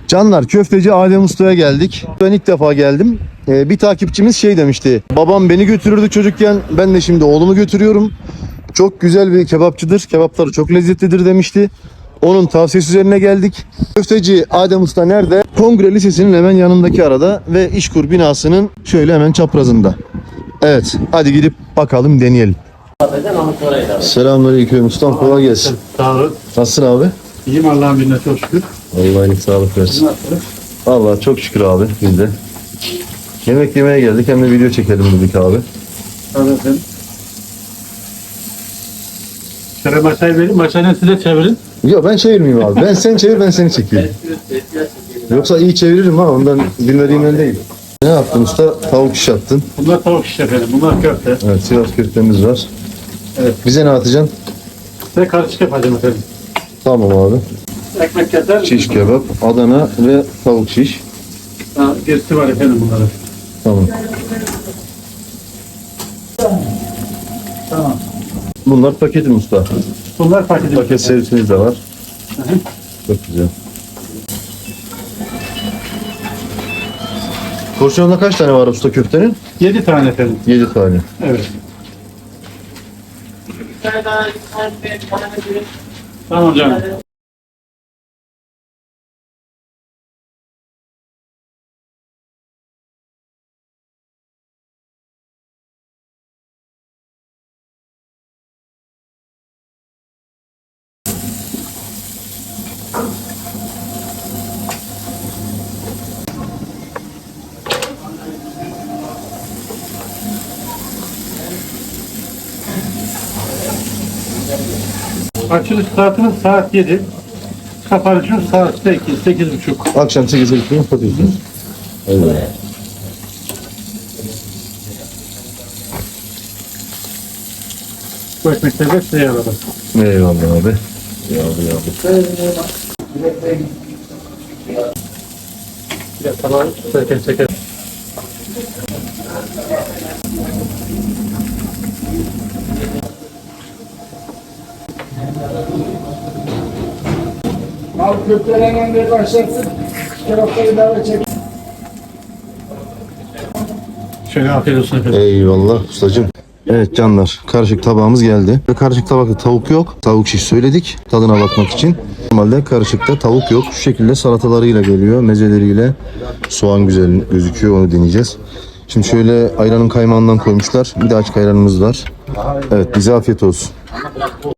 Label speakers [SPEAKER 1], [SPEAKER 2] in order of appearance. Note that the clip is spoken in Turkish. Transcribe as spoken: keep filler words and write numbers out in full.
[SPEAKER 1] Canlar, köfteci Adem Usta'ya geldik. Ben ilk defa geldim. Ee, bir takipçimiz şey demişti. Babam beni götürürdü çocukken. Ben de şimdi oğlumu götürüyorum. Çok güzel bir kebapçıdır. Kebapları çok lezzetlidir demişti. Onun tavsiyesi üzerine geldik. Köfteci Adem Usta nerede? Kongre Lisesi'nin hemen yanındaki arada ve İşkur binasının şöyle hemen çaprazında. Evet, hadi gidip bakalım, deneyelim. Selamünaleyküm ustam, kolay gelsin.
[SPEAKER 2] Sağ olun.
[SPEAKER 1] Nasılsın abi?
[SPEAKER 2] İyiyim, Allah'ın izniyle çok şükür.
[SPEAKER 1] Allah'ın sağlık versin. Vallahi çok şükür abi, biz de. Yemek yemeye geldik, hem de video çekelim dedik abi.
[SPEAKER 2] Tabii efendim. Şöyle maçayı verin, maçayı size çevirin.
[SPEAKER 1] Yok, ben çevirmeyeyim abi. Ben sen çevir, ben seni çekeyim. Yoksa iyi çeviririm ha, ondan bilmediğimden değil. Ne yaptın usta? Tavuk şiş attın.
[SPEAKER 2] Bunlar tavuk şiş efendim, bunlar köfte.
[SPEAKER 1] Evet, Sivas köftemiz var.
[SPEAKER 2] Evet.
[SPEAKER 1] Bize ne atacaksın?
[SPEAKER 2] Size karışık yapacağım efendim.
[SPEAKER 1] Tamam abi.
[SPEAKER 2] Ekmek keser.
[SPEAKER 1] Şiş kebap, Adana ve tavuk şiş.
[SPEAKER 2] Ha, gerisi var efendim bunların.
[SPEAKER 1] Tamam.
[SPEAKER 2] Tamam.
[SPEAKER 1] Bunlar paketim usta.
[SPEAKER 2] Bunlar paketi.
[SPEAKER 1] Paket servisimiz de var.
[SPEAKER 2] Hı hı.
[SPEAKER 1] Çok güzel. Porsiyonda kaç tane var usta köftenin?
[SPEAKER 2] Yedi tane efendim.
[SPEAKER 1] Yedi tane.
[SPEAKER 2] Evet. Tamam canım. Açılış saatimiz saat yedi. Kapanışımız saat sekiz, sekiz buçuk.
[SPEAKER 1] Akşam sekize gitmeyi kapatıyorsunuz. Evet.
[SPEAKER 2] Bu ekmekleri de size yaradım.
[SPEAKER 1] Eyvallah abi. Yağlı yağlı.
[SPEAKER 2] Ya tamam, çeker çeker.
[SPEAKER 3] Al köftelerden bir başlasın. Kebapları daha çek.
[SPEAKER 2] Şöyle afiyet olsun efendim.
[SPEAKER 1] Eyvallah ustacığım. Evet canlar, karışık tabağımız geldi. Ve karışık tabakta tavuk yok. Tavuk şiş söyledik tadına bakmak için. Normalde karışıkta tavuk yok. Şu şekilde salatalarıyla geliyor, mezeleriyle. Soğan güzel gözüküyor, onu deneyeceğiz. Şimdi şöyle ayranın kaymağından koymuşlar. Bir de açık ayranımız var. Evet, bize afiyet olsun.